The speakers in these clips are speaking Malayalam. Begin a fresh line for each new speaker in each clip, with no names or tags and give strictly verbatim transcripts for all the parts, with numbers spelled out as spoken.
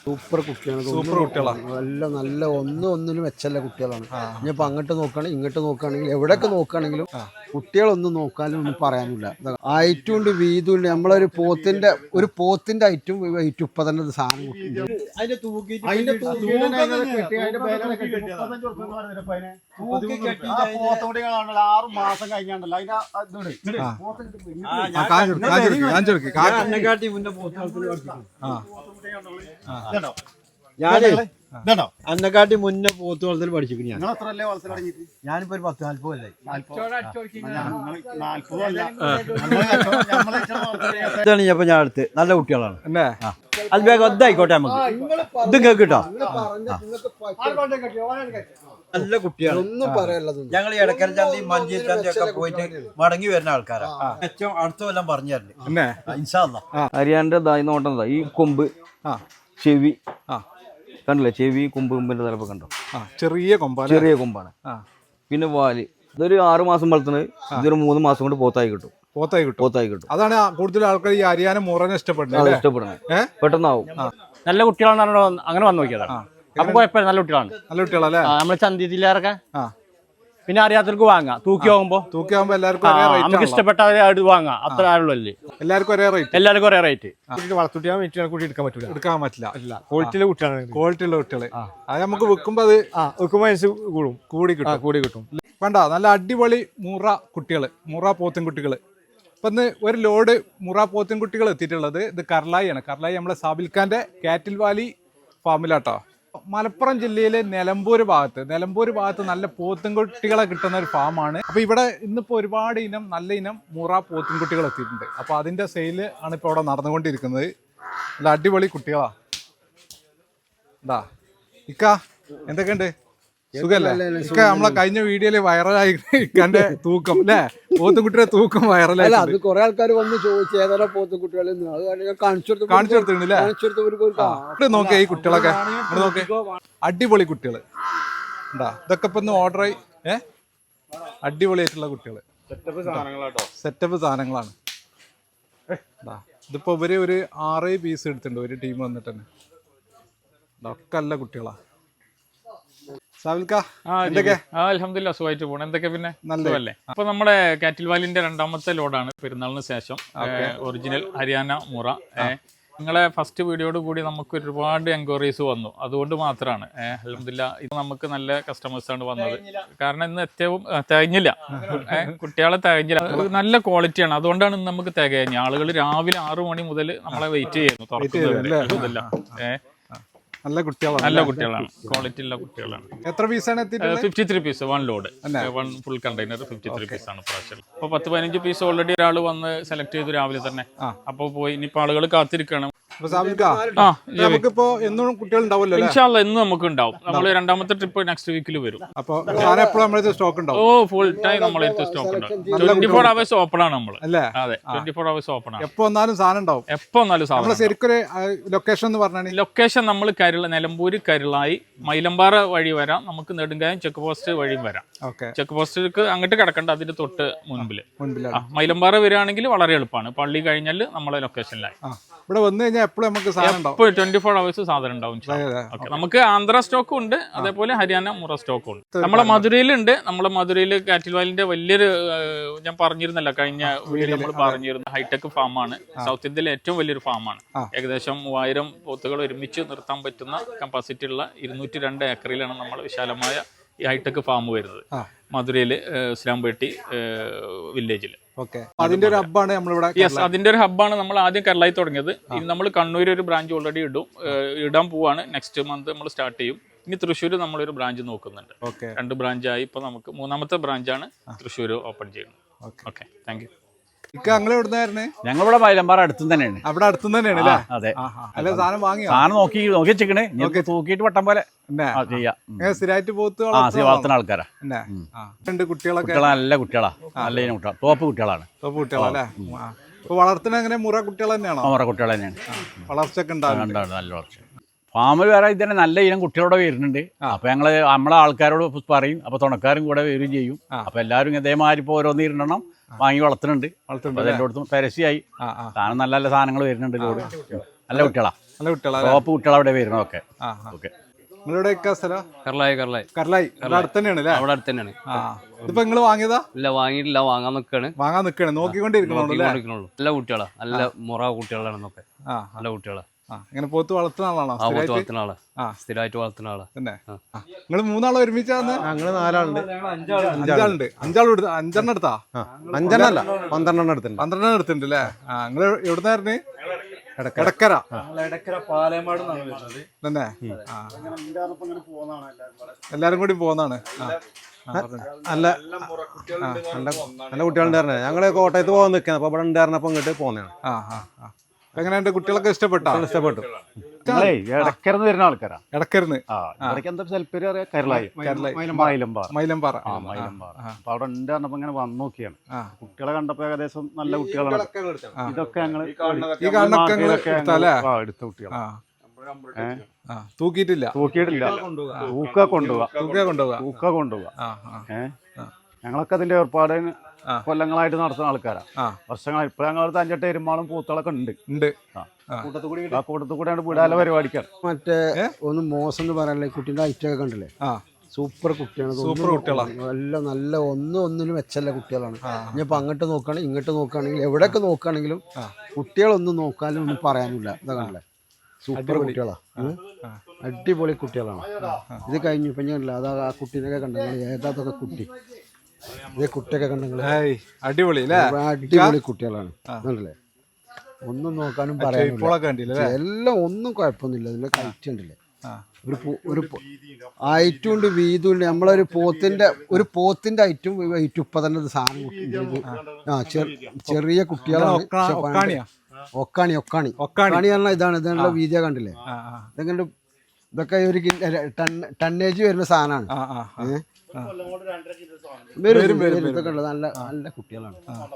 സൂപ്പർ കുട്ടികളാണ്.
സൂപ്പർ കുട്ടികളാണ്.
നല്ല നല്ല ഒന്നും ഒന്നിനും മെച്ചല്ല കുട്ടികളാണ്. ഇനിയിപ്പോൾ അങ്ങോട്ട് നോക്കുകയാണെങ്കിൽ ഇങ്ങോട്ട് നോക്കുകയാണെങ്കിൽ എവിടെയൊക്കെ നോക്കുകയാണെങ്കിലും കുട്ടികളൊന്നും നോക്കാനും ഒന്നും പറയാനില്ല. ഐറ്റും ഉണ്ട്, വീതും ഉണ്ട്. നമ്മളൊരു പോത്തിന്റെ ഒരു പോത്തിന്റെ ഐറ്റും വെയിറ്റും ഇപ്പൊ തന്നെ സാധനം
ആറ് മാസം കഴിഞ്ഞാണ്ടല്ലോ
അതിന്റെ മുന്നേ
ഇതാണോ
അന്നെക്കാട്ടി മുന്നേ പോത്ത് വളർത്തൽ പഠിച്ചിരിക്കും. ഞാൻ
നിങ്ങൾ എത്ര വളർത്തൽ തുടങ്ങിയിട്ട്?
ഞാനിപ്പോ ഒരു പത്ത് നാല്പത് അല്ലേ ഇതാണ് ഞാൻ ഞാൻ അടുത്ത് നല്ല കുട്ടികളാണ്. അത് വേഗം ഒന്നായിക്കോട്ടെ നമുക്ക് ഇത് കേട്ടോ. നല്ല കുട്ടിയാണ്, ഒന്നും പറയാനുള്ളത്. ഞങ്ങൾ ഇടക്കര ചന്തി മഞ്ചേരി ചന്തി ഒക്കെ പോയിട്ട് മടങ്ങി വരുന്ന ആൾക്കാരാണ്. ഏറ്റവും അടുത്ത കൊല്ലം പറഞ്ഞു തരണ്ടേ ഇൻഷാ അല്ലാഹ്. ഹരിയാനന്റെ ഇതായി നോട്ടം ഈ കൊമ്പ് ചെവി കണ്ടില്ലേ, ചെവി കൊമ്പ് കൊമ്പിന്റെ തലപ്പ് കണ്ടോ,
ചെറിയ കൊമ്പ
ചെറിയ കൊമ്പാണ്. പിന്നെ വാല് ഇതൊരു ആറു മാസം വളർത്തുന്നത്, ഇതൊരു മൂന്ന് മാസം കൊണ്ട് പോത്തായി കിട്ടും.
പോത്തായി കിട്ടും
പോത്തായി കിട്ടും.
അതാണ് കൂടുതൽ ആൾക്കാർ ഈ ഹരിയാന മുറനെ ഇഷ്ടപ്പെടുന്നത്.
ഇഷ്ടപ്പെടുന്നത് പെട്ടെന്നാവും.
നല്ല കുട്ടികളാണ് അങ്ങനെ വന്നു നോക്കിയതാണ്. അപ്പൊ കുഴപ്പമില്ല, നല്ല കുട്ടികളാണ്.
നല്ല കുട്ടികളല്ലേ
നമ്മള് ചന്തി ജില്ലയിലൊക്കെ പിന്നെ അറിയാത്തവർക്ക് വാങ്ങാം. തൂക്കി ആകുമ്പോ
തൂക്കി ആകുമ്പോ എല്ലാവർക്കും
നമുക്ക് ഇഷ്ടപ്പെട്ടവരെ വാങ്ങാം. അത്ര ആളുള്ളല്ലേ,
എല്ലാവർക്കും ഒരേ റേറ്റ്.
എല്ലാവർക്കും ഒരേ റേറ്റ്.
വളർത്തുട്ടിയാൽ കൂടി എടുക്കാൻ പറ്റില്ല എടുക്കാൻ പറ്റില്ല ക്വാളിറ്റിയിലെ കുട്ടികളാണ്. ക്വാളിറ്റിയുള്ള കുട്ടികള് അത് നമുക്ക് വെക്കുമ്പോ അത് വെക്കുമ്പോ കൂടും കൂടി കിട്ടും കൂടി കിട്ടും വേണ്ട. നല്ല അടിപൊളി മുറ കുട്ടികള്, മുറ പോത്തിൻകുട്ടികള്. ഇപ്പൊ ഇന്ന് ഒരു ലോഡ് മുറ പോത്തിൻകുട്ടികൾ എത്തിയിട്ടുള്ളത് ഇത് കർലായിയാണ്. കർലായി നമ്മളെ സാബിൽഖാന്റെ കാറ്റിൽ വാലി ഫാമിലാട്ടോ. മലപ്പുറം ജില്ലയിലെ നിലമ്പൂർ ഭാഗത്ത് നിലമ്പൂർ ഭാഗത്ത് നല്ല പോത്തുംകുട്ടികളെ കിട്ടുന്ന ഒരു ഫാമാണ്. അപ്പൊ ഇവിടെ ഇന്നിപ്പോ ഒരുപാട് ഇനം നല്ല ഇനം മുറ പോത്തുംകുട്ടികൾ എത്തിയിട്ടുണ്ട്. അപ്പൊ അതിന്റെ സെയില് ആണ് ഇപ്പൊ ഇവിടെ നടന്നുകൊണ്ടിരിക്കുന്നത്. നല്ല അടിപൊളി കുട്ടികളാ. എന്താ ഇക്ക എന്തൊക്കെയുണ്ട്, സുഖല്ലേ? ഇക്ക നമ്മളെ കഴിഞ്ഞ വീഡിയോയില് വൈറലായി ഇക്കാന്റെ തൂക്കം അല്ലേ, പോത്തുംകുട്ടിയുടെ തൂക്കം വൈറലായി.
അത് കുറെ ആൾക്കാർ വന്ന് ചോദിച്ചു ഏതാ പോത്തുകുട്ടികൾ കാണിച്ചു
കാണിച്ചു കൊടുത്തിട്ടുണ്ടല്ലേ. നോക്കിയ ഈ കുട്ടികളൊക്കെ നോക്കി, അടിപൊളി കുട്ടികള് എന്താ. ഇതൊക്കെ ഇപ്പൊ ഒന്ന് ഓർഡർ ആയി ഏ അടിപൊളിയായിട്ടുള്ള കുട്ടികള്, സെറ്റപ്പ് സാധനങ്ങളാണ്. ഇതിപ്പോ ഇവര് ഒരു ആറേ പീസ് എടുത്തിട്ടുണ്ട് ഒരു ടീം വന്നിട്ട് തന്നെ. ഒക്കെ നല്ല കുട്ടികളാ.
അൽഹംദുലില്ലാ സുഖമായിട്ട് പോകണം. എന്തൊക്കെ പിന്നെ നല്ലതല്ലേ? അപ്പൊ നമ്മുടെ കാറ്റിൽ വാലിന്റെ രണ്ടാമത്തെ ലോഡാണ് പെരുന്നാളിന് ശേഷം. ഒറിജിനൽ ഹരിയാന മുറ. നിങ്ങളെ ഫസ്റ്റ് വീഡിയോയോട് കൂടി നമുക്ക് ഒരുപാട് എൻക്വയറീസ് വന്നു. അതുകൊണ്ട് മാത്രമാണ് അൽഹംദുലില്ലാ ഇത് നമുക്ക് നല്ല കസ്റ്റമേഴ്സാണ് വന്നത്. കാരണം ഇന്ന് ഏറ്റവും തികഞ്ഞില്ല, കുട്ടികളെ തികഞ്ഞില്ല. നല്ല ക്വാളിറ്റിയാണ്, അതുകൊണ്ടാണ് ഇന്ന് നമുക്ക് തികഞ്ഞ. ആളുകൾ രാവിലെ ആറു മണി മുതൽ നമ്മളെ വെയിറ്റ് ചെയ്യുന്നു തുറക്കുന്നത്. ഏഹ്
നല്ല കുട്ടികളാണ്,
നല്ല കുട്ടികളാണ്, ക്വാളിറ്റി ഉള്ള കുട്ടികളാണ്.
എത്ര പീസാണ്?
Fifty three piece one load, one full container fifty three piece ആണ് പ്രാവശ്യം. അപ്പൊ പത്ത് പതിനഞ്ച് പീസ് ഓൾറെഡി ഒരാൾ വന്ന് സെലക്ട് ചെയ്തു രാവിലെ തന്നെ. അപ്പൊ പോയി ഇനിയിപ്പോ ആളുകൾ കാത്തിരിക്കണം.
നമുക്കിപ്പോ എന്നും കുട്ടികൾ ഉണ്ടാവുമല്ലോ?
ഇൻഷാല്ലാ എന്നും നമുക്ക് ഉണ്ടാവും. നമ്മൾ രണ്ടാമത്തെ ട്രിപ്പ് നെക്സ്റ്റ് വീക്കിൽ വരും.
അപ്പൊ സ്റ്റോക്ക് ഉണ്ടാവും.
ഓ ഫുൾ ടൈം നമ്മളെ സ്റ്റോക്ക് ഉണ്ടാവും. ട്വന്റി ഫോർ അവേഴ്സ് ഓപ്പൺ ആണ് നമ്മൾ. അതെ, ട്വന്റി ഫോർ അവേഴ്സ് ഓപ്പൺ ആണ്.
എപ്പോ വന്നാലും സാധനം ഉണ്ടാവും.
എപ്പോ വന്നാലും സാധനം.
ശരിക്കൊരു ലൊക്കേഷൻ എന്ന് പറഞ്ഞാൽ
ലൊക്കേഷൻ നമ്മൾ കരുള നിലമ്പൂര് കരുളായി മൈലമ്പാറ വഴി വരാം. നമുക്ക് നെടുങ്കായം ചെക്ക് പോസ്റ്റ് വഴിയും വരാം. ചെക്ക് പോസ്റ്റിലേക്ക് അങ്ങോട്ട് കിടക്കണ്ട, അതിന്റെ തൊട്ട് മുൻപില്. മൈലമ്പാറ വരികയാണെങ്കിൽ വളരെ എളുപ്പമാണ്. പള്ളി കഴിഞ്ഞാൽ നമ്മളെ ലൊക്കേഷനിലായി.
ഇവിടെ വന്നു കഴിഞ്ഞാൽ എപ്പോഴും നമുക്ക് സാധനം ഉണ്ടാവും.
ട്വന്റി ഫോർ അവേഴ്സ് സാധനം ഉണ്ടാവും. നമുക്ക് ആന്ധ്ര സ്റ്റോക്കും ഉണ്ട്, അതേപോലെ ഹരിയാന മുറ സ്റ്റോക്കും ഉണ്ട്. നമ്മളെ മധുരയിലുണ്ട്. നമ്മളെ മധുരയിൽ കാറ്റിൽ വാലിന്റെ വലിയൊരു ഞാൻ പറഞ്ഞിരുന്നല്ലോ കഴിഞ്ഞ വീഡിയോയിൽ നമ്മൾ പറഞ്ഞിരുന്ന ഹൈടെക് ഫാമാണ്. സൗത്ത് ഇന്ത്യയിലെ ഏറ്റവും വലിയൊരു ഫാമാണ്. ഏകദേശം മൂവായിരം പോത്തുകൾ ഒരുമിച്ച് നിർത്താൻ പറ്റുന്ന കപ്പാസിറ്റി ഉള്ള ഇരുന്നൂറ്റി രണ്ട് ഏക്കറിലാണ് നമ്മൾ വിശാലമായ ഈ ഹൈടെക് ഫാം വരുന്നത്. മധുരയില് ഇസ്ലാംപേട്ടി വില്ലേജിൽ.
അതിന്റെ ഒരു ഹബ്ബാണ് നമ്മളിവിടെ.
യെസ്, അതിന്റെ ഒരു ഹബ്ബാണ് നമ്മൾ ആദ്യം കേരളയിൽ തുടങ്ങിയത്. ഇനി നമ്മൾ കണ്ണൂർ ഒരു ബ്രാഞ്ച് ഓൾറെഡി ഇടും ഇടാൻ പോവാണ്. നെക്സ്റ്റ് മന്ത് നമ്മൾ സ്റ്റാർട്ട് ചെയ്യും. ഇനി തൃശ്ശൂർ നമ്മളൊരു ബ്രാഞ്ച് നോക്കുന്നുണ്ട്. രണ്ട് ബ്രാഞ്ചായി ഇപ്പൊ നമുക്ക് മൂന്നാമത്തെ ബ്രാഞ്ചാണ് തൃശ്ശൂർ ഓപ്പൺ ചെയ്യുന്നത്. Okay, thank you.
ഞങ്ങളിവിടെ മൈലമ്പാറ അടുത്ത് തന്നെയാണ്.
അവിടെ അടുത്ത് തന്നെയാണ്.
അതെ,
സാധനം വാങ്ങി
സാധനം നോക്കി നോക്കി വെച്ചിക്കണേ. തൂക്കിയിട്ട് വട്ടം പോലെ ചെയ്യാം.
സ്ഥിരമായിട്ട് പോത്ത്
വളർത്തുന്ന ആൾക്കാരാ.
കുട്ടികളൊക്കെ
നല്ല കുട്ടികളാ, നല്ല കുട്ടികളാ, ടോപ്പ് കുട്ടികളാണ്.
ടോപ്പ് കുട്ടികളല്ലേ? വളർത്തുന്ന എങ്ങനെ മുറ കുട്ടികൾ തന്നെയാണോ?
മുറ കുട്ടികൾ തന്നെയാണ്.
വളർച്ചയൊക്കെ ഉണ്ടാവും,
നല്ല വളർച്ച. ഫാമിൽ വേറെ ഇതന്നെ നല്ല ഇനം കുട്ടികളോടെ വരുന്നുണ്ട്. അപ്പൊ ഞങ്ങള് നമ്മളെ ആൾക്കാരോട് പറയും. അപ്പൊ തുണക്കാരും കൂടെ വരികയും ചെയ്യും. അപ്പൊ എല്ലാവരും ഇതേമാതിരി ഇപ്പൊ ഓരോന്ന് ഇരുന്നെണ്ണം വാങ്ങി വളർത്തുന്നുണ്ട്. എല്ലായിടത്തും പരസ്യമായി സാധനം നല്ല നല്ല സാധനങ്ങൾ വരുന്നുണ്ട്. ലോഡ് നല്ല കുട്ടികളാ.
നല്ല കുട്ടികളാ
ടോപ്പ് കുട്ടികൾ അവിടെ വരുന്നതൊക്കെ.
ആ
ഓക്കെ.
നിങ്ങളുടെ സ്ഥലം
കർലായി കർലായി
കർലായി അടുത്ത് തന്നെയാണ് അല്ലേ?
അവിടെ അടുത്ത് തന്നെയാണ്.
ആ ഇതിപ്പോ നിങ്ങള് വാങ്ങിയതാ?
ഇല്ല വാങ്ങിയിട്ടില്ല, വാങ്ങാൻ നിൽക്കാണ്.
വാങ്ങാൻ നിൽക്കണേ, നോക്കിക്കൊണ്ടിരിക്കണോ?
നല്ല കുട്ടികളാ, നല്ല മുറ കുട്ടികളാണെന്നൊക്കെ.
ആ
നല്ല കുട്ടികളാ.
ഇങ്ങനെ പോത്ത് വളർത്തുന്ന ആളാണോ?
ആ പോത്ത് വളർത്തുന്ന ആളാ, സ്ഥിരമായിട്ട് വളർത്തുന്ന ആളാ.
തന്നെ നിങ്ങൾ മൂന്നാളോ ഒരുമിച്ചാന്ന്?
ഞങ്ങള് നാലാളുണ്ട്.
അഞ്ചാളുണ്ട്. അഞ്ചാളും എടുത്ത അഞ്ചെണ്ണം എടുത്താ?
അഞ്ചെണ്ണല്ല, പന്ത്രണ്ടെണ്ണം എടുത്തിട്ടുണ്ട്.
പന്ത്രണ്ടെണ്ണം എടുത്തിട്ടുണ്ട് അല്ലേ? ആ നിങ്ങള് എവിടുന്നായിരുന്നു? എടക്കര. തന്നെ എല്ലാരും കൂടി പോന്നാണ്.
നല്ല നല്ല കുട്ടികളുണ്ടായിരുന്നെ. ഞങ്ങള് കോട്ടയത്ത് പോകാൻ നിൽക്കുന്നത്, അപ്പൊ ഇവിടെ ഉണ്ടായിരുന്നപ്പോ ഇങ്ങോട്ട് പോന്നെയാണ്.
ആ ആ എങ്ങനെയുണ്ട്? കുട്ടികളൊക്കെ ഇഷ്ടപ്പെട്ടോ?
ഇഷ്ടപ്പെട്ടു.
ഇടക്കരന്ന് വരുന്ന ആൾക്കാരാ.
ഇടക്കരന്ന്
എന്താ സ്ഥലപ്പേര് അറിയാം? കരളായി മൈലമ്പാറ.
മൈലമ്പാറ.
ആ മൈലമ്പാറ. അപ്പൊ അവിടെ ഉണ്ട് പറഞ്ഞപ്പോ ഇങ്ങനെ വന്നു നോക്കിയാണ്. കുട്ടികളെ കണ്ടപ്പോ ഏകദേശം നല്ല കുട്ടികളാണ്. ഇതൊക്കെ ഞങ്ങള് എടുത്ത കുട്ടികളാ.
തൂക്കിയിട്ടില്ല?
തൂക്കിയിട്ടില്ല. തൂക്ക കൊണ്ടുപോവാ.
തൂക്ക കൊണ്ടുപോവാ.
തൂക്ക കൊണ്ടുപോവാ. ഏഹ് ഞങ്ങളൊക്കെ അതിന്റെ ഏർപ്പാടിന് കൊല്ലങ്ങളായിട്ട് നടത്തുന്ന ആൾക്കാരാ. വർഷങ്ങൾ ഇപ്പൊ ഞങ്ങളടുത്ത് അഞ്ചെട്ട് എരുമാളും പൂത്തളൊക്കെ ഉണ്ട് ഉണ്ട് ആ കൂട്ടത്തിൽ കൂടെയാണ് വിടാല പരിപാടിക്കാണ്.
മറ്റേ ഒന്ന് മോശം എന്ന് പറയാനല്ലേ, കുട്ടീൻ്റെ ഐറ്റൊക്കെ കണ്ടില്ലേ? സൂപ്പർ കുട്ടിയാണ്.
സൂപ്പർ കുട്ടികളാണ്.
എല്ലാം നല്ല ഒന്നും ഒന്നിനും വെച്ചല്ല കുട്ടികളാണ്. ഇനിയിപ്പോൾ അങ്ങോട്ട് നോക്കുകയാണെങ്കിൽ ഇങ്ങോട്ട് നോക്കുകയാണെങ്കിൽ എവിടെയൊക്കെ നോക്കുകയാണെങ്കിലും കുട്ടികളൊന്നും നോക്കാനും ഒന്നും പറയാനില്ല. ഇതാ കണ്ടില്ലേ, സൂപ്പർ കുട്ടികളാണ്, അടിപൊളി കുട്ടികളാണ്. ഇത് കഴിഞ്ഞു ഇപ്പം കണ്ടില്ല, അതാ ആ കുട്ടീനൊക്കെ കണ്ടെങ്കിൽ ഏതാതൊക്കെ കുട്ടി, ഇതേ കുട്ടിയൊക്കെ കണ്ടെങ്കിൽ
അടിപൊളി
അടിപൊളി കുട്ടികളാണ്. കണ്ടില്ലേ, ഒന്നും നോക്കാനും പറയാനില്ല. എല്ലാം ഒന്നും കുഴപ്പമൊന്നുമില്ല. ഇതിന്റെ കയറ്റ് ഉണ്ടല്ലേ, ഒരു ഒരു ഐറ്റും ഉണ്ട്, വീതും ഉണ്ട്. നമ്മളൊരു പോത്തിന്റെ ഒരു പോത്തിന്റെ ഐറ്റും വെയിറ്റും ഇപ്പൊ തന്നെ സാധനം. ആ ചെറിയ കുട്ടികളാണ്. ഒക്കാണി ഒക്കാണി ഒക്കാണി പറഞ്ഞാൽ ഇതാണ്. ഇതിനുള്ള വീതിയ കണ്ടില്ലേ? ഇതെങ്ങനെ ഇതൊക്കെ ഒരു ടണ്ണേജ് വരുന്ന സാധനമാണ്. ഇതൊക്കെ നല്ല നല്ല കുട്ടികളാണ്,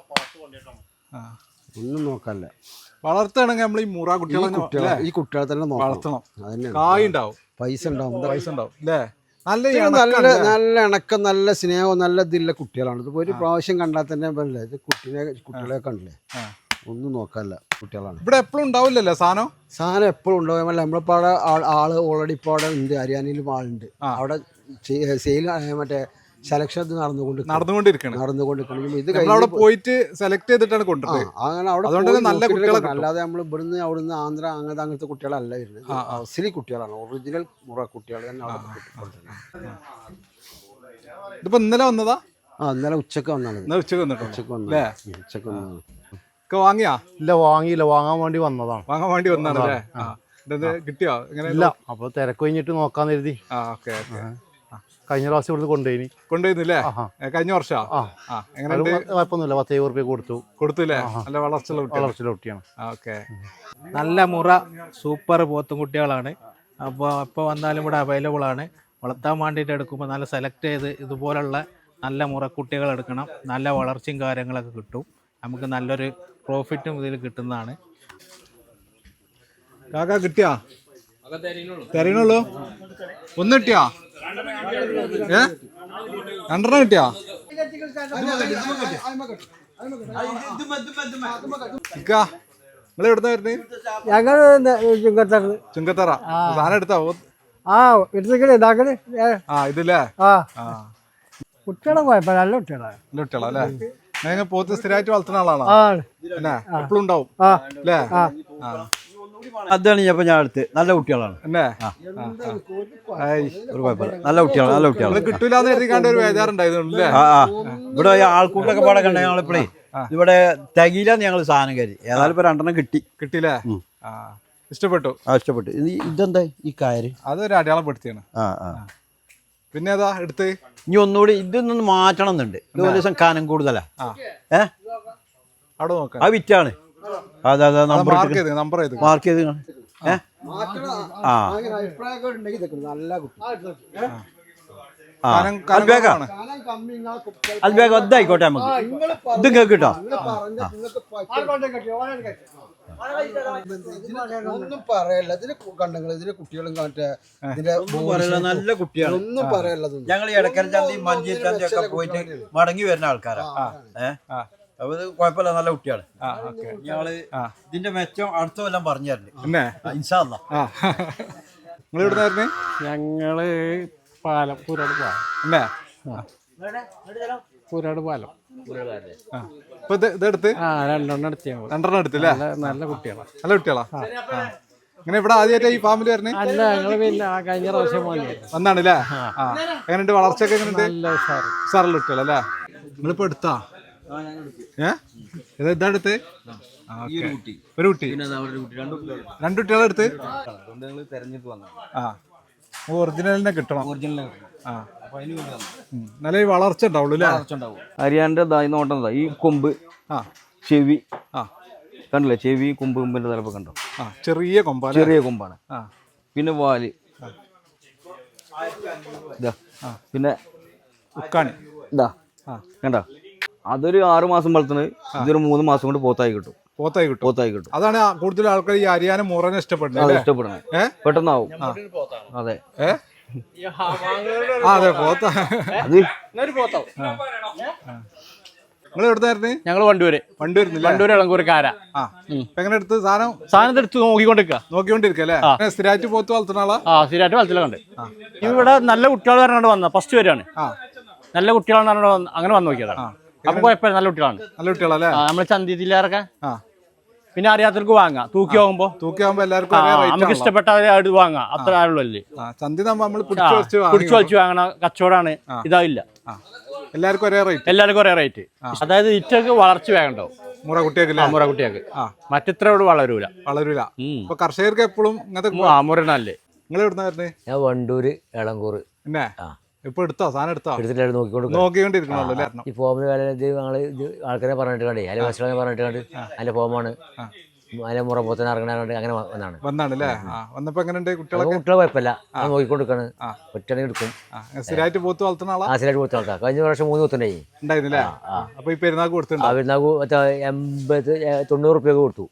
ഒന്നും നോക്കാല്ല.
വളർത്തുകയാണെങ്കിൽ നമ്മൾ ഈ മുറ കുട്ടികളെ കുട്ടികളെ
ഈ കുട്ടികളെ തന്നെ
വളർത്തണം.
അതന്നെ,
കായ് ഉണ്ടാവും,
പൈസ ഉണ്ടാവും,
പൈസ ഉണ്ടാവും അല്ലേ? നല്ല
നല്ല നല്ല ഇണക്കം, നല്ല സ്നേഹവും നല്ല ഇതിലുള്ള കുട്ടികളാണ്. ഇതിപ്പോ ഒരു പ്രാവശ്യം കണ്ടാൽ തന്നെ പറയില്ല, ഇത് കുട്ടീനെ കുട്ടികളെ കണ്ടില്ലേ, ഒന്നും നോക്കാല്ല കുട്ടികളാണ്.
ഇവിടെ എപ്പോഴും ഉണ്ടാവില്ലല്ലോ സാധനം.
സാധനം എപ്പോഴും ഉണ്ടാവുമല്ല. നമ്മളിപ്പോ അവിടെ ആള് ഓൾറെഡി ഇപ്പൊ അവിടെ ഉണ്ട്, ഹരിയാനയിലും ആളുണ്ട്. അവിടെ സെയിൽ മറ്റേ സെലക്ഷൻ നടന്നുകൊണ്ട്
നടന്നുകൊണ്ടിരിക്കണം
നടന്നുകൊണ്ടിരിക്കണം ഇത്
അവിടെ പോയിട്ട് സെലക്ട് ചെയ്തിട്ടാണ് കൊണ്ടുപോകുന്നത്.
അങ്ങനെ അവിടെ നല്ല കുട്ടികളെ, അല്ലാതെ നമ്മൾ ഇവിടുന്ന് അവിടുന്ന് ആന്ധ്ര അങ്ങനത്തെ അങ്ങനത്തെ കുട്ടികളല്ല വരുന്നത്. അസലി കുട്ടികളാണ്, ഒറിജിനൽ മുറ കുട്ടികൾ തന്നെ അവിടെ.
ഇതിപ്പോ ഇന്നലെ വന്നതാ?
ആ ഇന്നലെ ഉച്ചക്ക് വന്നാണ്.
ഉച്ചക്ക് വന്നിട്ട്
ഉച്ചക്ക് വന്നേ ഉച്ചക്ക് വന്നതാണ്.
വാങ്ങിയാ?
ഇല്ല വാങ്ങിയില്ല, വാങ്ങാൻ വേണ്ടി വന്നതാണ്.
വാങ്ങാൻ വേണ്ടി വന്നതാണ്. കിട്ടിയോ?
ഇല്ല, അപ്പൊ തിരക്ക് കഴിഞ്ഞിട്ട് നോക്കാന്ന് കരുതി. കഴിഞ്ഞ പ്രാവശ്യം ഇവിടുന്ന് കൊണ്ടുപോയി
കൊണ്ടുപോയിരുന്നില്ലേ? കഴിഞ്ഞ വർഷം
കുഴപ്പമൊന്നുമില്ല, പത്ത് എഴുപത് റുപ്യ കൊടുത്തു
കൊടുത്തില്ലേ? നല്ല വളർച്ചയുള്ള
വളർച്ചയുള്ള കുട്ടിയാണ്.
ഓക്കെ.
നല്ല മുറ സൂപ്പർ പോത്തും കുട്ടികളാണ്. അപ്പോൾ എപ്പോൾ വന്നാലും ഇവിടെ അവൈലബിൾ ആണ്. വളർത്താൻ വേണ്ടിയിട്ട് എടുക്കുമ്പോൾ നല്ല സെലക്ട് ചെയ്ത് ഇതുപോലുള്ള നല്ല മുറക്കുട്ടികൾ എടുക്കണം. നല്ല വളർച്ചയും കാര്യങ്ങളൊക്കെ കിട്ടും. നമുക്ക് നല്ലൊരു പ്രോഫിറ്റും ഇതിൽ കിട്ടുന്നതാണ്.
കാക്ക കിട്ടിയാ? തരണുള്ളൂ. ഒന്ന് കിട്ടിയാ? ഏ രണ്ടെണ്ണം കിട്ടിയാ? നിങ്ങൾ എവിടുന്ന വരുന്നത്?
ഞങ്ങൾ ചുങ്കത്തറ.
ചുങ്കത്തറ. സാധനം എടുത്താ?
ആ എടുത്തേക്കണേ ഇതാക്കണേ.
ആ ഇതില്ലേ?
ആ കുട്ടികളെ കുഴപ്പമില്ല, നല്ല കുട്ടികളാണ്.
നല്ല കുട്ടികളാ അല്ലേ? നിങ്ങൾ പോത്ത് സ്ഥിരമായിട്ട് വളർത്തുന്ന ആളാണോ? അല്ലേ? എപ്പോഴും ഉണ്ടാവും അല്ലേ?
അതാണ് ഞാൻ ഞാൻ അടുത്ത് നല്ല കുട്ടികളാണ്. ഒരു കുഴപ്പമില്ല, നല്ല കുട്ടികളാണ്, നല്ല കുട്ടികളാണ്.
കിട്ടൂലെന്ന് എഴുതിക്കാണ്ട് ഒരു ബേജാറുണ്ടായിരുന്നു.
ഇവിടെ ആൾക്കൂട്ടൊക്കെ പാടെ കണ്ട ഞങ്ങളിപ്പോഴേ ഇവിടെ തികയില്ലാന്ന് ഞങ്ങൾ സാധനം കരുതി. ഏതായാലും ഇപ്പൊ രണ്ടെണ്ണം കിട്ടി.
കിട്ടിയില്ലേ? ഇഷ്ടപ്പെട്ടു.
ആ ഇഷ്ടപ്പെട്ടു. ഇതെന്താ ഈ കാര്യം?
അതൊരു അടയാളപ്പെടുത്തിയാണ്.
ആ ആ
പിന്നെ ഏതാ എടുത്ത്?
ഇനി ഒന്നുകൂടി ഇതൊന്നും മാറ്റണം എന്നുണ്ട്. ഇത് ഒരു ദിവസം കാനം കൂടുതലാ. ഏ
അവിടെ നോക്കാം.
ആ വിറ്റാണ്. അതെ അതെ, നമ്പർ
മാർക്ക് ചെയ്ത് നമ്പർ ചെയ്ത്
മാർക്ക് ചെയ്ത് ഏ ആ അൽബേഗ ഒന്നായിക്കോട്ടെ നമുക്ക്. ഇത് കേട്ടോ
ഒന്നും പറയല്ല. ഇതിന് കണ്ടെങ്കിൽ ഇതിന് കുട്ടികളും മറ്റേ
നല്ല കുട്ടിയാണ്,
ഒന്നും പറയല്ല.
ഞങ്ങൾ ഇടക്കര ചന്തി മഞ്ചേരി ചന്തി ഒക്കെ പോയിട്ട് മടങ്ങി വരുന്ന ആൾക്കാരാ. ഏഹ് അപ്പൊ ഇത് കുഴപ്പമില്ല, നല്ല കുട്ടിയാണ്.
ആ ഓക്കെ.
ഞങ്ങള് ഇതിന്റെ മെച്ചം അടുത്ത കൊല്ലം പറഞ്ഞു തരണ്ട്.
പിന്നെ
ഇൻഷാ അല്ലാ.
ആ നിങ്ങൾ എവിടുന്നായിരുന്നു?
ഞങ്ങള് പാലം പൂരാട് പാലം
അല്ലേ?
പൂരാട് പാലം
ആ ഇപ്പൊ ഇത് ഇതെടുത്ത്
ആ രണ്ടെണ്ണം എടുത്ത് ഞങ്ങൾ
രണ്ടെണ്ണം എടുത്തില്ലേ?
നല്ല കുട്ടികളാണ്.
നല്ല കുട്ടികളാ. ഇങ്ങനെ ഇവിടെ ആദ്യമായിട്ട് ഈ ഫാമിലി വരണേ?
അല്ല ഞങ്ങള് പിന്നെ ആ കഴിഞ്ഞ പ്രാവശ്യം വന്നു
വന്നാണല്ലേ? ആ എങ്ങനെയുണ്ട് വളർച്ചയൊക്കെ? എങ്ങനെയുണ്ട്?
നല്ല ഉഷാറ്
ഉഷാറുള്ള കുട്ടികളല്ലേ? നിങ്ങളിപ്പോ എടുത്താ? ഏ ഇത് ഇതാ എടുത്ത്? ഒരു കുട്ടി രണ്ടു കുട്ടികളെ എടുത്ത്? ആ ഒറിജിനലിനെ കിട്ടണം. ആ നല്ല വളർച്ച ഉണ്ടാവുള്ളൂ അല്ലേ?
ഹരിയാനന്റെ ഇതായി നോട്ടം ഈ കൊമ്പ്,
ആ
ചെവി,
ആ
കണ്ടില്ലേ? ചെവി കൊമ്പ് കൊമ്പിന്റെ തലപ്പ് കണ്ടോ?
ആ ചെറിയ കൊമ്പാ?
ചെറിയ കൊമ്പാണ്.
ആ
പിന്നെ വാല് ഇതാ, പിന്നെ
ഉക്കാണി
ഇതാ കണ്ടോ? അതൊരു ആറു മാസം വളർത്തുന്നത്, ഇതൊരു മൂന്ന് മാസം കൊണ്ട് പോത്തായി കിട്ടും.
പോത്തായി കിട്ടും.
പോത്തായി കിട്ടും.
അതാണ് കൂടുതൽ ആൾക്കാർ ഈ ഹരിയാന മുറനെ ഇഷ്ടപ്പെടുന്നത്.
ഇഷ്ടപ്പെടുന്നത് പെട്ടെന്നാവും. അതെ.
ഏ അതെ പോത്ത.
അത്
നിങ്ങൾ എവിടുന്നായിരുന്നു?
ഞങ്ങൾ വണ്ടൂര്
വണ്ടൂരിന്നില്ല?
വണ്ടൂര് ഇളങ്കൂർക്കാര.
ആ എങ്ങനെ എടുത്ത് സാധനം?
സാധനം എടുത്ത് നോക്കിക്കൊണ്ടിരിക്കുക.
നോക്കിക്കൊണ്ടിരിക്കല്ലേ? സ്ഥിരമായിട്ട് പോത്ത് വളർത്തുന്ന ആളാ?
ആ സ്ഥിരമായിട്ട് വളർത്തലുണ്ട്. ഇവിടെ നല്ല കുട്ടികൾ പറഞ്ഞുകൊണ്ട് വന്ന ഫസ്റ്റ് വരെയാണ്.
ആ
നല്ല കുട്ടികളെന്ന് പറഞ്ഞുകൊണ്ട് അങ്ങനെ വന്ന് നോക്കിയതാണ്. അപ്പൊ കുഴപ്പമില്ല, നല്ല കുട്ടികളാണ്.
നല്ല കുട്ടികളല്ലേ?
നമ്മള് ചന്തി ജില്ലക്കാരൊക്കെ
ആ
പിന്നെ അറിയാത്തവർക്ക് വാങ്ങാം. തൂക്കി പോകുമ്പോ
തൂക്കി ആകുമ്പോ എല്ലാവർക്കും
നമുക്ക് ഇഷ്ടപ്പെട്ട അത് വാങ്ങാം. അത്ര ആളുള്ളൂ അല്ലേ?
ചന്തി നമ്മൾ പിടിച്ചു
പിടിച്ചു വെച്ച് വാങ്ങണ കച്ചവടമാണ്. ഇതാവില്ല,
എല്ലാവർക്കും ഒരേ റേറ്റ്.
എല്ലാവർക്കും ഒരേ റേറ്റ്. അതായത് ഇറ്റക്ക് വളർച്ച വേണ്ടോ
മുറ കുട്ടിയൊക്കെ?
മുറ കുട്ടിയൊക്കെ മറ്റിത്രോട് വളരൂല
വളരൂല. ഇപ്പൊ കർഷകർക്ക് എപ്പോഴും ഇങ്ങനത്തെ
മുരനല്ലേ.
നിങ്ങൾ എവിടുന്ന വരുന്നത്?
ഞാൻ വണ്ടൂര് എളങ്കൂർ.
പിന്നെ ഇപ്പൊ എടുത്തോ? സാധനം എടുത്തോ?
എടുത്തിട്ട് നോക്കിക്കൊണ്ട്
നോക്കിക്കൊണ്ടിരിക്കണല്ലോ അല്ലേ?
ഈ ഫോമിന് കാലം ഇത് ഞങ്ങള് ഇത് ആൾക്കാരെ പറഞ്ഞിട്ട് കണ്ടേ, അതിന്റെ വശങ്ങളെ പറഞ്ഞിട്ട് കണ്ട് അതിന്റെ ഫോമാണ് അതിന്റെ മുറ പോത്തന്നെ ഇറങ്ങാണ്ട് അങ്ങനെ വന്നാണ്
വന്നാണല്ലേ? വന്നപ്പോ എങ്ങനെയുണ്ട് കുട്ടികളൊക്കെ?
കുട്ടികളെ കുഴപ്പമില്ല, അത് നോക്കിക്കൊണ്ടിരിക്കാണ്. ഒറ്റയാണെങ്കിൽ എടുക്കും.
സ്ഥിരമായിട്ട് പോത്ത് വളർത്തുന്ന ആളാ?
ആസിലായിട്ട് കൊടുത്ത ആൾക്കാർ കഴിഞ്ഞ പ്രാവശ്യം മൂന്ന് പോത്തുണ്ടായി
ഉണ്ടായിരുന്നില്ലേ? അപ്പൊ ഈ പെരുന്നാൾ കൊടുത്തിട്ടുണ്ടോ?
പെരുന്നാൾക്ക് എൺപത് തൊണ്ണൂറ് റുപ്യ കൊടുത്തു.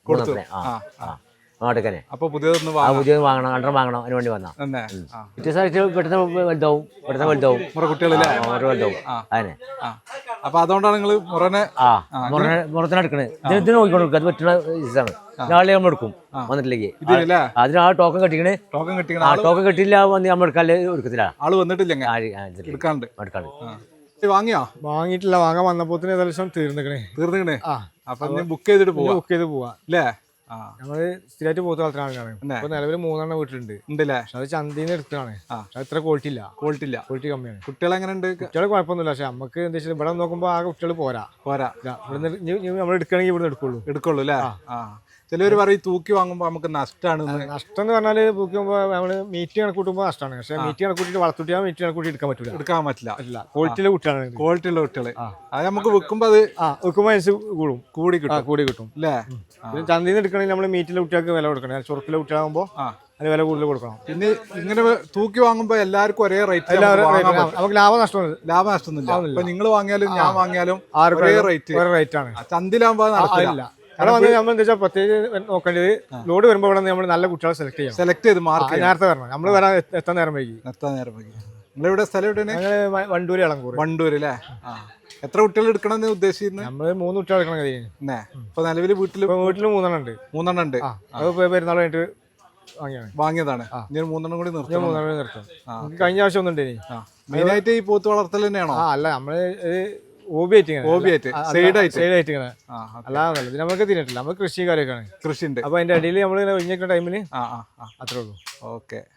നാട്ടിക്കനെ.
അപ്പൊ പുതിയതൊന്ന്
പുതിയത് വാങ്ങണം, രണ്ടെണ്ണം വാങ്ങണം, അതിന് വേണ്ടി വന്നാ വ്യത്യസ്തമായിട്ട് പെട്ടെന്ന് വലുതാവും, പെട്ടെന്ന് വലുതാവും
കുട്ടികളില്ലേ?
വലുതാവും. അതിനെ
അപ്പൊ അതുകൊണ്ടാണ് നിങ്ങൾ മുറനെ
ആ മുറനെ മുറത്തിനെ എടുക്കണേ. ഇതിന് നോക്കിക്കൊണ്ടിരിക്കുക. അത് പറ്റുന്ന ഇതാണ്. നാളെ നമ്മൾ എടുക്കും വന്നിട്ടില്ലെങ്കിൽ. അതിന് ആ ടോക്കൺ കെട്ടിക്കണേ.
ടോക്കൺ കെട്ടി
ആ ടോക്കൺ കെട്ടിയില്ല വന്ന് നമ്മൾ എടുക്കാല്ലേ എടുക്കത്തില്ല.
ആള് വന്നിട്ടില്ല എടുക്കാണ്ട്. വാങ്ങിയോ?
വാങ്ങിയിട്ടില്ല, വാങ്ങാൻ വന്നപ്പോത്തിന് ഏകദേശം തീർന്നിക്കണേ.
തീർന്നിക്കണേ? അപ്പൊ ബുക്ക് ചെയ്തിട്ട് പോവാ.
ബുക്ക് ചെയ്ത് പോവാ
അല്ലേ?
ഞങ്ങള് സ്ഥിരമായിട്ട് പോത്ത് വളർത്തുന്ന ആൾക്കാരാണ്. ഇപ്പൊ നിലവിൽ മൂന്നെണ്ണം വീട്ടിലുണ്ട്.
ഉണ്ടല്ലേ?
പക്ഷെ അത് ചന്തീന്ന് എടുത്താണ്. അത്ര ക്വാളിറ്റി ഇല്ല.
ക്വാളിറ്റി ഇല്ല.
ക്വാളിറ്റി കമ്മിയാണ്.
കുട്ടികൾ എങ്ങനെ ഉണ്ട്?
കുട്ടികൾ കുഴപ്പമൊന്നുമില്ല. പക്ഷെ നമുക്ക് എന്താ വെച്ചാൽ ഇവിടെ നോക്കുമ്പോ ആ കുട്ടികൾ പോരാ
പോരാ
ഇവിടുന്ന് നമ്മൾ എടുക്കണമെങ്കിൽ ഇവിടെ എടുക്കുള്ളൂ
എടുക്കുള്ളൂ അല്ലേ? ചിലവർ പറയും തൂക്കി വാങ്ങുമ്പോ നമുക്ക് നഷ്ടമാണ്.
നഷ്ടം എന്ന് പറഞ്ഞാല് തൂക്കുമ്പോ നമ്മള് മീറ്റ് കണക്കൂട്ടുമ്പോ നഷ്ടമാണ്. പക്ഷെ മീറ്റ് കണക്കൂട്ടിട്ട് വളർത്തിട്ട് മീറ്റ് കണക്കൂട്ടി എടുക്കാൻ പറ്റില്ല.
എടുക്കാൻ പറ്റില്ല.
അല്ല, ക്വാളിറ്റിയിലെ കുട്ടികളാണ്.
ക്വാളിറ്റി ഉള്ള കുട്ടികള്. അത് നമുക്ക് വെക്കുമ്പോ അത്
വെക്കുമ്പോ അനുസരിച്ച് കൂടും, കൂടി കിട്ടും കൂടി കിട്ടും
അല്ലേ?
പിന്നെ ചന്തയിൽ നിന്ന് എടുക്കണമെങ്കിൽ നമ്മള് മീറ്റിലെ കുട്ടികൾക്ക് വില കൊടുക്കണം. ചുറുക്കിലെ കുട്ടികളാകുമ്പോ അതിന് വില കൂടുതൽ കൊടുക്കണം.
പിന്നെ ഇങ്ങനെ തൂക്കി വാങ്ങുമ്പോ എല്ലാവർക്കും ഒരേ റേറ്റ്.
നമുക്ക് ലാഭ നഷ്ടം
ലാഭ നഷ്ടമൊന്നുമില്ല. ഇപ്പൊ നിങ്ങൾ വാങ്ങിയാലും ഞാൻ വാങ്ങിയാലും ഒരേ റേറ്റ്
ഒരേ റേറ്റ് ആണ്.
ചന്തിലാകുമ്പോ നടക്കില്ല.
അവിടെ വന്ന് നമ്മൾ എന്താ വെച്ചാൽ പ്രത്യേകിച്ച് നോക്കേണ്ടത് ലോഡ് വരുമ്പോൾ ഇവിടെ നമ്മൾ നല്ല കുട്ടികളെ സെലക്ട് ചെയ്യാം.
സെലക്ട് ചെയ്ത് മാർക്ക്
നേരത്തെ വരണം. നമ്മൾ വരാൻ എത്താൻ നേരം വൈകി.
എത്താൻ നേരം വൈകി. നിങ്ങളിവിടെ സ്ഥലം എവിടെയാണ്?
വണ്ടൂര് ഇളങ്കൂർ.
വണ്ടൂര് അല്ലേ? എത്ര കുട്ടികൾ എടുക്കണം എന്ന് ഉദ്ദേശിക്കുന്നത്?
നമ്മള് മൂന്ന് കുട്ടികൾ എടുക്കണം കഴിയുന്നേ.
ഇപ്പൊ നിലവിൽ വീട്ടില്
വീട്ടില് മൂന്നെണ്ണം ഉണ്ട്.
മൂന്നെണ്ണം ഉണ്ട്.
അത് പെരുന്നാൾ കഴിഞ്ഞിട്ട് വാങ്ങിയാണ്
വാങ്ങിയതാണ്. ഇനി മൂന്നെണ്ണം കൂടി നിർത്തും.
മൂന്നെണ്ണം നിർത്തും. കഴിഞ്ഞ ആവശ്യം ഒന്നുണ്ട്. ഇനി
മെയിൻ ആയിട്ട് ഈ പോത്ത് വളർത്തൽ തന്നെയാണോ?
ആ അല്ല, നമ്മള് ഹോബിയായിട്ട്
ഹോബിയായിട്ട് സൈഡായിട്ട്
സൈഡായിട്ട് ഇങ്ങനെ അല്ലാതെ ഇത് നമുക്ക് തിന്നിട്ടില്ല. നമുക്ക് കൃഷി കാര്യമൊക്കെയാണ്.
കൃഷി ഉണ്ട്.
അപ്പൊ അതിന്റെ അടിയിൽ നമ്മൾ ഒഴിഞ്ഞിരിക്കുന്ന ടൈമില് അത്രേ ഉള്ളൂ.
ഓക്കെ.